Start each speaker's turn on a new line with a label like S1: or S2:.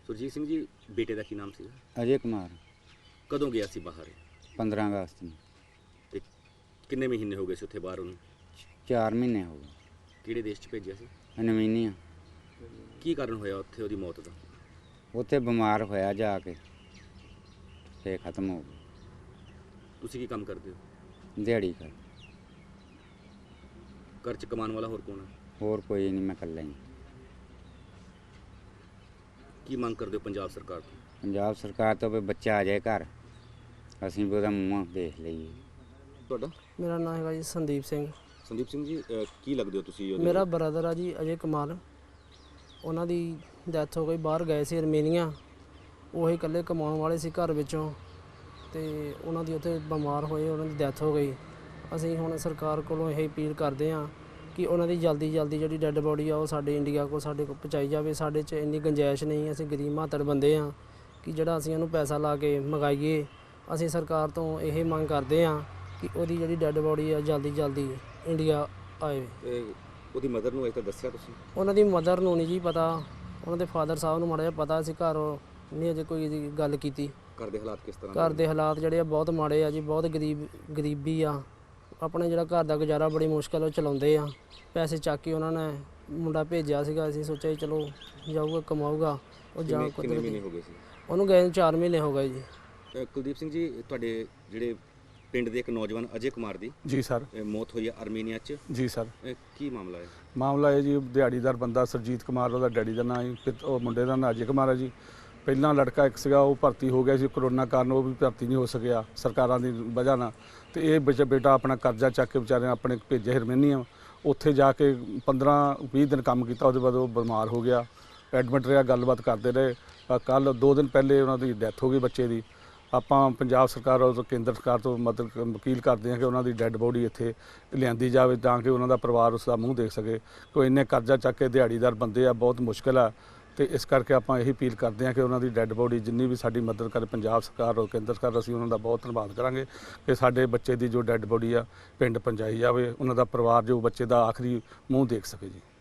S1: ਸੁਰਜੀਤ ਸਿੰਘ ਜੀ, ਬੇਟੇ ਦਾ ਕੀ ਨਾਮ ਸੀ?
S2: ਅਜੇ ਕੁਮਾਰ।
S1: ਕਦੋਂ ਗਿਆ ਸੀ ਬਾਹਰ?
S2: 15 ਅਗਸਤ ਨੂੰ।
S1: ਤੇ ਕਿੰਨੇ ਮਹੀਨੇ ਹੋ ਗਏ ਸੀ ਉੱਥੇ ਬਾਹਰ ਉਹਨੂੰ?
S2: 4 ਮਹੀਨੇ ਹੋ ਗਏ।
S1: ਕਿਹੜੇ ਦੇਸ਼ 'ਚ ਭੇਜਿਆ ਸੀ?
S2: ਨਵੀਨੀਆਂ।
S1: ਕੀ ਕਾਰਨ ਹੋਇਆ ਉੱਥੇ ਉਹਦੀ ਮੌਤ ਦਾ?
S2: ਉੱਥੇ ਬਿਮਾਰ ਹੋਇਆ ਜਾ ਕੇ ਤੇ ਖਤਮ ਹੋ ਗਿਆ।
S1: ਤੁਸੀਂ ਕੀ ਕੰਮ ਕਰਦੇ ਹੋ?
S2: ਦਿਹਾੜੀ ਕਰ।
S1: ਘਰ 'ਚ ਕਮਾਉਣ ਵਾਲਾ ਹੋਰ ਕੌਣ ਹੈ?
S2: ਹੋਰ ਕੋਈ ਨਹੀਂ, ਮੈਂ ਇਕੱਲਾ ਹੀ।
S1: ਕੀ ਮੰਗ ਕਰਦੇ ਹੋ ਪੰਜਾਬ ਸਰਕਾਰ ਤੋਂ?
S2: ਪੰਜਾਬ ਸਰਕਾਰ ਤੋਂ ਵੀ ਬੱਚਾ ਆ ਜਾਏ ਘਰ, ਅਸੀਂ ਵੀ ਉਹਦਾ ਮੂੰਹ ਦੇਖ ਲਈਏ।
S1: ਤੁਹਾਡਾ?
S3: ਮੇਰਾ ਨਾਮ ਹੈਗਾ ਜੀ ਸੰਦੀਪ ਸਿੰਘ।
S1: ਸੰਦੀਪ ਸਿੰਘ ਜੀ, ਕੀ ਲੱਗਦੇ ਹੋ ਤੁਸੀਂ?
S3: ਮੇਰਾ ਬ੍ਰਦਰ ਆ ਜੀ ਅਜੇ ਕੁਮਾਰ। ਉਹਨਾਂ ਦੀ ਡੈਥ ਹੋ ਗਈ, ਬਾਹਰ ਗਏ ਸੀ ਅਰਮੀਨੀਆ। ਉਹ ਹੀ ਇਕੱਲੇ ਕਮਾਉਣ ਵਾਲੇ ਸੀ ਘਰ ਵਿੱਚੋਂ, ਤੇ ਉਹਨਾਂ ਦੀ ਉੱਥੇ ਬਿਮਾਰ ਹੋਏ, ਉਹਨਾਂ ਦੀ ਡੈਥ ਹੋ ਗਈ। ਅਸੀਂ ਹੁਣ ਸਰਕਾਰ ਕੋਲੋਂ ਇਹ ਅਪੀਲ ਕਰਦੇ ਹਾਂ ਕਿ ਉਹਨਾਂ ਦੀ ਜਲਦੀ ਜਿਹੜੀ ਡੈੱਡ ਬੋਡੀ ਆ ਉਹ ਸਾਡੇ ਇੰਡੀਆ ਕੋਲ ਸਾਡੇ ਕੋਲ ਪਹੁੰਚਾਈ ਜਾਵੇ। ਸਾਡੇ 'ਚ ਇੰਨੀ ਗੁੰਜਾਇਸ਼ ਨਹੀਂ, ਅਸੀਂ ਗਰੀਬ ਮਾਤੜ ਬੰਦੇ ਹਾਂ ਕਿ ਜਿਹੜਾ ਅਸੀਂ ਉਹਨੂੰ ਪੈਸਾ ਲਾ ਕੇ ਮੰਗਾਈਏ। ਅਸੀਂ ਸਰਕਾਰ ਤੋਂ ਇਹ ਮੰਗ ਕਰਦੇ ਹਾਂ ਕਿ ਉਹਦੀ ਜਿਹੜੀ ਡੈੱਡ ਬੋਡੀ ਆ ਜਲਦੀ ਇੰਡੀਆ ਆਏ।
S1: ਉਹਦੀ ਮਦਰ ਨੂੰ ਅਜੇ ਤੱਕ ਦੱਸਿਆ ਤੁਸੀਂ?
S3: ਉਹਨਾਂ ਦੀ ਮਦਰ ਨੂੰ ਨਹੀਂ ਜੀ ਪਤਾ, ਉਹਨਾਂ ਦੇ ਫਾਦਰ ਸਾਹਿਬ ਨੂੰ ਮਾੜਾ ਜਿਹਾ ਪਤਾ ਸੀ, ਘਰ ਨਹੀਂ ਅਜੇ ਕੋਈ ਇਹਦੀ ਗੱਲ ਕੀਤੀ।
S1: ਘਰ ਦੇ ਹਾਲਾਤ ਕਿਸ ਤਰ੍ਹਾਂ?
S3: ਘਰ ਦੇ ਹਾਲਾਤ ਜਿਹੜੇ ਆ ਬਹੁਤ ਮਾੜੇ ਆ ਜੀ, ਬਹੁਤ ਗਰੀਬੀ ਆ। ਆਪਣੇ ਜਿਹੜਾ ਘਰ ਦਾ ਗੁਜ਼ਾਰਾ ਬੜੀ ਮੁਸ਼ਕਿਲ ਉਹ ਚਲਾਉਂਦੇ ਆ। ਪੈਸੇ ਚੱਕ ਕੇ ਉਹਨਾਂ ਨੇ ਮੁੰਡਾ ਭੇਜਿਆ ਸੀਗਾ, ਅਸੀਂ ਸੋਚਿਆ ਜੀ ਚਲੋ ਜਾਊਗਾ ਕਮਾਊਗਾ। ਉਹ ਜਾ
S1: ਕਿੰਨੇ ਮਹੀਨੇ ਹੋ ਗਏ ਸੀ
S3: ਉਹਨੂੰ ਗਏ ਨੂੰ? 4 ਮਹੀਨੇ ਹੋ ਗਏ ਜੀ।
S1: ਕੁਲਦੀਪ ਸਿੰਘ ਜੀ, ਤੁਹਾਡੇ ਜਿਹੜੇ ਪਿੰਡ ਦੇ ਇੱਕ ਨੌਜਵਾਨ ਅਜੇ ਕੁਮਾਰ ਦੀ
S4: ਜੀ ਸਰ
S1: ਮੌਤ ਹੋਈ ਹੈ ਅਰਮੀਨੀਆ 'ਚ,
S4: ਜੀ ਸਰ
S1: ਕੀ ਮਾਮਲਾ ਹੈ?
S4: ਮਾਮਲਾ ਇਹ ਜੀ, ਦਿਹਾੜੀਦਾਰ ਬੰਦਾ ਸਰਜੀਤ ਕੁਮਾਰ, ਉਹਦਾ ਡੈਡੀ ਦਾ ਨਾਂ ਹੈ, ਉਹ ਮੁੰਡੇ ਦਾ ਨਾਂ ਅਜੇ ਕੁਮਾਰ ਹੈ ਜੀ। ਪਹਿਲਾਂ ਲੜਕਾ ਇੱਕ ਸੀਗਾ, ਉਹ ਭਰਤੀ ਹੋ ਗਿਆ ਸੀ, ਕਰੋਨਾ ਕਾਰਨ ਉਹ ਵੀ ਭਰਤੀ ਨਹੀਂ ਹੋ ਸਕਿਆ ਸਰਕਾਰਾਂ ਦੀ ਵਜ੍ਹਾ ਨਾਲ। ਤੇ ਇਹ ਬੇਟਾ ਆਪਣਾ ਕਰਜ਼ਾ ਚੱਕ ਕੇ ਵਿਚਾਰੇ ਆਪਣੇ ਭੇਜਿਆ ਅਰਮੀਨੀਆ। ਉੱਥੇ ਜਾ ਕੇ 15-20 ਦਿਨ ਕੰਮ ਕੀਤਾ, ਉਹਦੇ ਬਾਅਦ ਉਹ ਬਿਮਾਰ ਹੋ ਗਿਆ, ਐਡਮਿਟ ਰਿਹਾ, ਗੱਲਬਾਤ ਕਰਦੇ ਰਹੇ। ਕੱਲ੍ਹ 2 ਦਿਨ ਪਹਿਲੇ ਉਹਨਾਂ ਦੀ ਡੈਥ ਹੋ ਗਈ ਬੱਚੇ ਦੀ। ਆਪਾਂ ਪੰਜਾਬ ਸਰਕਾਰ ਔਰ ਕੇਂਦਰ ਸਰਕਾਰ ਤੋਂ ਮਦਦ ਵਕੀਲ ਕਰਦੇ ਹਾਂ ਕਿ ਉਹਨਾਂ ਦੀ ਡੈੱਡ ਬੋਡੀ ਇੱਥੇ ਲਿਆਂਦੀ ਜਾਵੇ ਤਾਂ ਕਿ ਉਹਨਾਂ ਦਾ ਪਰਿਵਾਰ ਉਸ ਦਾ ਮੂੰਹ ਦੇਖ ਸਕੇ। ਕੋਈ ਇੰਨੇ ਕਰਜ਼ਾ ਚੱਕ ਕੇ ਦਿਹਾੜੀਦਾਰ ਬੰਦੇ ਆ, ਬਹੁਤ ਮੁਸ਼ਕਿਲ ਆ। ਤੇ ਇਸ ਕਰਕੇ ਆਪਾਂ ਇਹੀ ਅਪੀਲ ਕਰਦੇ ਹਾਂ ਕਿ ਉਹਨਾਂ ਦੀ ਡੈੱਡ ਬੋਡੀ ਜਿੰਨੀ ਵੀ ਸਾਡੀ ਮਦਦ ਕਰੇ ਪੰਜਾਬ ਸਰਕਾਰ ਔਰ ਕੇਂਦਰ ਸਰਕਾਰ, ਅਸੀਂ ਉਹਨਾਂ ਦਾ ਬਹੁਤ ਧੰਨਵਾਦ ਕਰਾਂਗੇ ਕਿ ਸਾਡੇ ਬੱਚੇ ਦੀ ਜੋ ਡੈੱਡ ਬੋਡੀ ਆ ਪਿੰਡ ਪਹੁੰਚਾਈ ਜਾਵੇ, ਉਹਨਾਂ ਦਾ ਪਰਿਵਾਰ ਜੋ ਬੱਚੇ ਦਾ ਆਖਰੀ ਮੂੰਹ ਦੇਖ ਸਕੇ ਜੀ।